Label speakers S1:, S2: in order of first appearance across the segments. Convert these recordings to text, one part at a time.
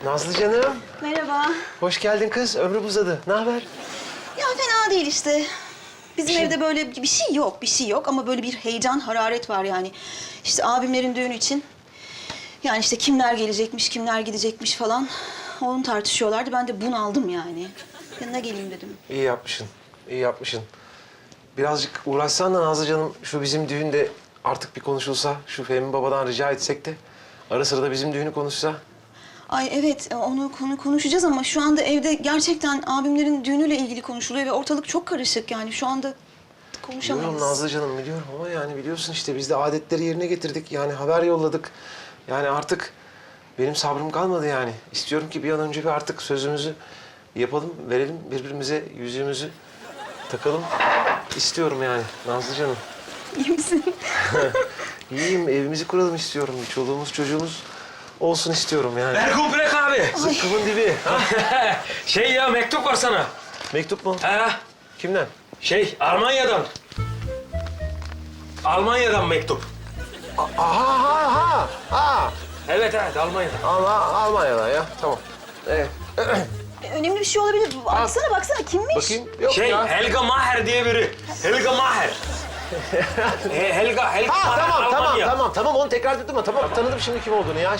S1: Nazlı canım,
S2: Merhaba.
S1: hoş geldin kız. Ömrüm uzadı. Ne haber?
S2: Ya fena değil işte. Bizim
S1: şey-
S2: evde böyle bir şey yok ama böyle bir heyecan, hararet var yani. İşte abimlerin düğünü için. Yani işte kimler gelecekmiş, kimler gidecekmiş falan. Onu tartışıyorlardı. Ben de bunaldım yani. Yanına geleyim dedim.
S1: İyi yapmışsın, iyi yapmışsın. Birazcık uğraşsan da Nazlı canım, şu bizim düğünde artık bir konuşulsa, şu Fehmi babadan rica etsek de ara sıra da bizim düğünü konuşsa.
S2: Ay evet, onu konuşacağız ama şu anda evde gerçekten abimlerin düğünüyle ilgili konuşuluyor ve ortalık çok karışık yani. Şu anda konuşamayız.
S1: Biliyorum Nazlı canım, biliyorum ama yani biliyorsun işte biz de adetleri yerine getirdik. Yani haber yolladık. Yani artık benim sabrım kalmadı yani. İstiyorum ki bir an önce bir artık sözümüzü yapalım, verelim birbirimize, yüzüğümüzü takalım. İstiyorum yani Nazlı canım.
S2: İyi misin?
S1: İyiyim, evimizi kuralım istiyorum. Bir çoluğumuz, çocuğumuz olsun istiyorum yani.
S3: Ergun Bülek abi.
S1: Zıkkımın dibi. Ha?
S3: Şey ya mektup var sana.
S1: Mektup mu?
S3: Ha?
S1: Kimden?
S3: Almanya'dan. Almanya'dan mektup.
S1: Ha.
S3: Evet Almanya'dan.
S1: Almanya'dan ya. Tamam. Evet.
S2: Önemli bir şey olabilir. Baksana kimmiş?
S1: Bakayım. Yok ya.
S3: Helga Maher diye biri. Helga Maher. Helga
S1: Ha
S3: Maher, Almanya.
S1: tamam onu tekrar ettim ama tamam tanıdım şimdi kim olduğunu ya.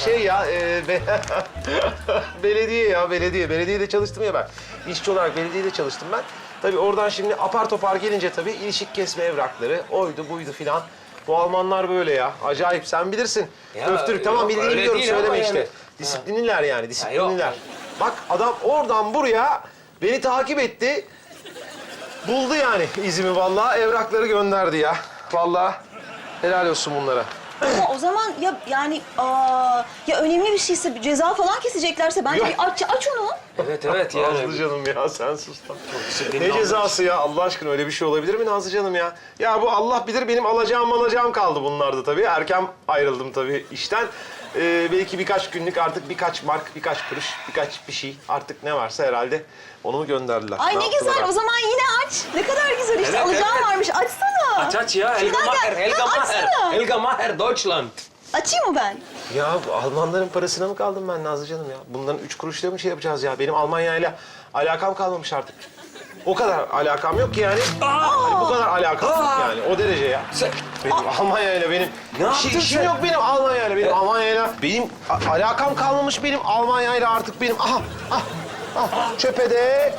S1: Belediyede çalıştım ya ben. İşçi olarak belediyede çalıştım ben. Tabii oradan şimdi apar topar gelince tabii ilişik kesme evrakları, oydu buydu filan. Bu Almanlar böyle ya. Acayip sen bilirsin.
S3: Ya,
S1: Öftürük tamam
S3: yok,
S1: bildiğini
S3: öyle
S1: biliyorum
S3: değil ama
S1: söyleme
S3: yani.
S1: işte. Disiplinliler yani disiplinliler.
S3: yok.
S1: Bak adam oradan buraya beni takip etti. Buldu yani izimi vallahi evrakları gönderdi ya. Vallahi helal olsun bunlara.
S2: Ama o zaman ya önemli bir şeyse bir ceza falan keseceklerse bence
S1: Yok.
S2: bir aç onu.
S3: Evet yani.
S1: Nazlı canım ya sen sus lan.
S3: disiplinli
S1: Ne
S3: olmuş.
S1: cezası ya Allah aşkına öyle bir şey olabilir mi Nazlı canım ya? Ya bu Allah bilir benim alacağım kaldı bunlarda tabii. Erken ayrıldım tabii işten. Belki birkaç günlük artık birkaç mark, birkaç kuruş, birkaç bir şey artık ne varsa herhalde onu mu gönderdiler?
S2: Ay ne
S1: yaptılar
S2: güzel
S1: artık?
S2: o zaman yine aç. Ne kadar güzel işte
S3: Evet,
S2: alacağım
S3: evet.
S2: varmış açsana.
S3: Aç ya. Helga
S2: Şuradan
S3: Maher.
S2: gel.
S3: Helga
S2: Ya
S3: Maher.
S2: açsana.
S3: Helga Maher, Deutschland.
S2: Açayım mı ben?
S1: Ya Almanların parasına mı kaldım ben Nazlı canım ya? Bunların 3 kuruşla mı şey yapacağız ya? Benim Almanya'yla alakam kalmamış artık. O kadar alakam yok ki yani. Hani bu kadar alakam yok yani. O derece ya. Benim Almanya'yla benim...
S3: Ne yaptın
S1: işim
S3: sen?
S1: yok benim Almanya'yla. Benim Almanya'yla... Benim alakam kalmamış benim Almanya'yla artık benim. Aha. Çöpe de.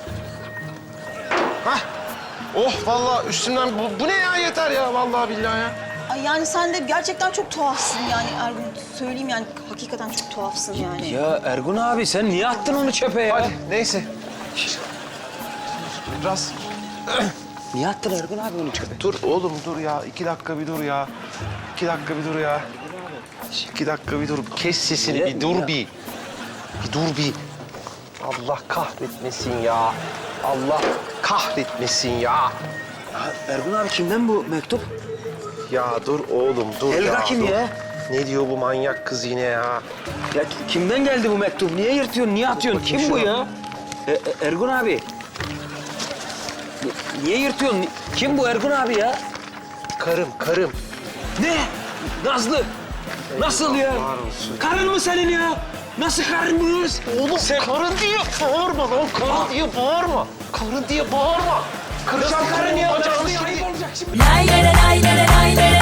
S1: Hah. Oh vallahi üstümden bu ne ya yeter ya vallahi billahi ya.
S2: Ay yani sen de gerçekten çok tuhafsın yani Ergun. Söyleyeyim yani hakikaten çok tuhafsın yani.
S3: Ya Ergun abi sen niye attın onu çöpe ya?
S1: Hadi neyse. Biraz
S3: Niye attın Ergun abi onu çöpe?
S1: dur oğlum dur ya. 2 dakika bir dur ya. 2 dakika bir dur ya. 2 dakika bir dur. Kes sesini
S3: Ne?
S1: bir dur bir. Bir dur bir. Allah kahretmesin ya. Allah kahretmesin ya.
S3: Ergun abi kimden bu mektup?
S1: Ya dur oğlum dur
S3: Helga
S1: ya.
S3: kim
S1: dur.
S3: ya?
S1: Ne diyor bu manyak kız yine ya?
S3: Ya kimden geldi bu mektup? Niye yırtıyorsun, niye atıyorsun?
S1: bakayım
S3: Kim bu
S1: şuna.
S3: ya? Ergun abi. Niye yırtıyorsun? Kim bu Ergun abi ya?
S1: Karım.
S3: Ne? Nazlı. Nasıl ya?
S1: Var olsun.
S3: Karın mı senin ya? Nasıl karın bu?
S1: Oğlum karın diye bağırma lan. Karın diye bağırma. Karın diye bağırma. Kıracağım
S3: Karın ya?
S1: bacağını
S3: Nazlı
S1: şimdi.
S3: ayıp olacak şimdi.
S4: Lay lay lay lay lay lay